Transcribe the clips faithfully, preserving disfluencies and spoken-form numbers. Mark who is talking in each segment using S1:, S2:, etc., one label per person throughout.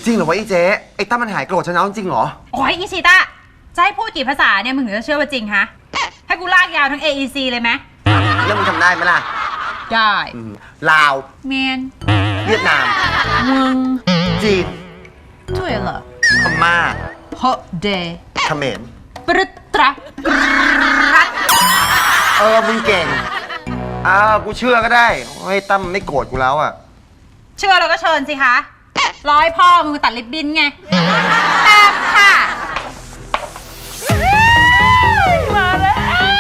S1: จริงเหรอวะไอ้เจ๊ไอ้ตั้มมันหายโกรธฉันแล้วจริงเหรอ
S2: โอ้ยอีชิตะจะให้พูดกี่ภาษาเนี่ยมึงถึงจะเชื่อว่าจริงฮะให้กูลากยาวทั้ง เอ อี ซี เลยไหม
S1: แล้วมึงทำได้ไหมล่ะ
S2: ได้
S1: ลาว
S2: เมียน
S1: เวียดนาม
S2: มึง
S1: จีน
S2: ด้วยเหรอ
S1: พม่า
S2: ฮอเดย์
S1: เขมร
S2: ปรึตระ
S1: เออมึงเก่งอ่ากูเชื่อก็ได้ไอ้ตั้มไม่โกรธกูแล้วอ่ะ
S2: เชื่อแล้วก็เชิญสิคะร้อยพ่อมึงตัดลิบบิ้นไงตามค่ะมาแล้ว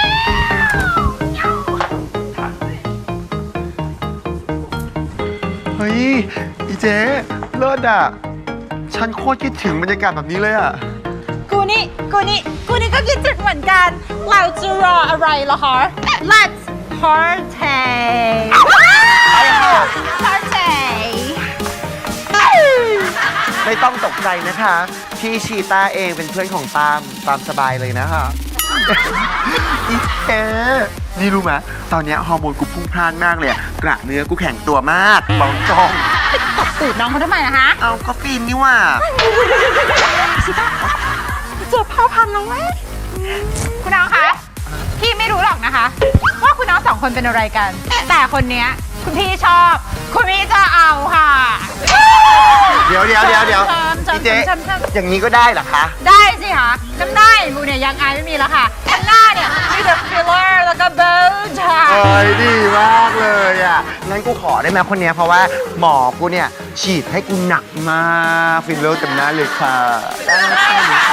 S1: เฮ้ยอีเจ๊เลิศอ่ะฉันโคตรคิดถึงบรรยากาศแบบนี้เลยอ่ะ
S2: กูนี่กูนี่กูนี่ก็คิดถึงเหมือนกันเราจะรออะไรล่ะคะ Let's party
S1: ไปค่ะ
S2: party
S1: ไม่ต้องตกใจนะคะพี่ชีต้าเองเป็นเพื่อนของตามตามสบายเลยนะคะอีเจ๊นี่รู้ไหมตอนนี้ฮอร์โมนกูพุ่งพล่านมากเลยกระเนื้อกูแข็งตัวมากบองจอง
S2: ตบตูดน้องเขาทำไมนะคะ
S1: เอาก็ฟินนี่ว่า
S2: ชิต้าเจอพ่อพันธุ์แล้วไหมคุณน้องคะพี่ไม่รู้หรอกนะคะว่าคุณน้องสองคนเป็นอะไรกันแต่คนเนี้ยคุณพี่ชอบคุณพี่จะเอาค่ะ
S1: เดี๋ยวเดี๋ยวเดี๋ยวเดี๋ยวพี่เจ๊อย่างนี้ก็ได้เหรอคะ
S2: ได้สิคะจำได้กูเนี่ยยังอายไม่มีแล้วค่ะข้างหน้าเนี่ยมีแต่ฟิลเลอร์แล้วก็เบลช์
S1: เอ้ยดีมากเลยอ่ะงั้นกูขอได้ไหมคนเนี้ยเพราะว่าหมอกูเนี่ยฉีดให้กูหนักมากฟิลเลอร์เต็มหน้าเลยค่ะได้ค่ะ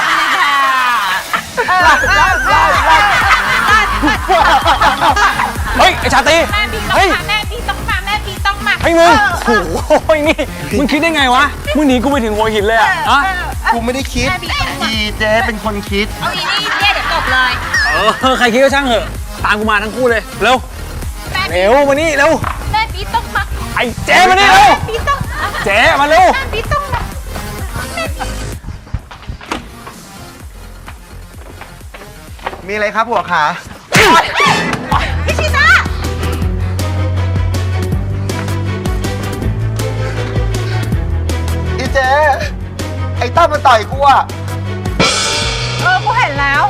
S3: เฮ้ยไอชาตรี
S2: เฮ้ยแม่พี่ต้องมาแม่พี่ต้องมา
S3: ไอ้มึงโอ้ยนี่มึงคิดได้ไงวะมึงหนีกูไปถึงหัวหินเลยอะอะ
S1: กูไม่ได้คิดอีเจ๊เป็นคนคิด
S2: เอาอีนี่เจ๊เดี๋ยวตบเลย
S3: เออใครคิดก็ช่างเหอะตามกูมาทั้งคู่เลยเร็วเร็วมานี่เร็ว
S2: แม่พี่ต้องมา
S3: ไอ้เจ๊มานี่เร็ว
S2: พี่ต้อง
S3: เจ๊มาเร็ว
S2: แม่พี่ต้องมา
S1: มีอะไรครับหัวขา
S2: พี่ชิต้า
S1: อีเจ๊ไอ้ตั้มมันต่อยกูอ่ะ
S2: เออกูเห็นแล้ว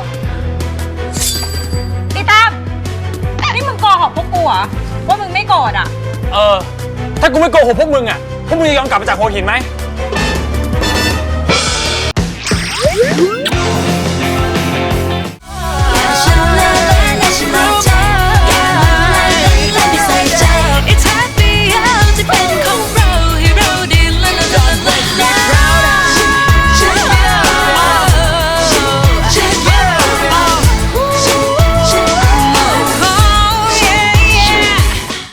S2: อีตั้มนี่มึงโกหกพวกกูเหรอว่ามึงไม่โกรธอ่ะ
S3: เออถ้ากูไม่โกหกพวกมึงอ่ะพวกมึงจะยอมกลับมาจากหัวหินไหม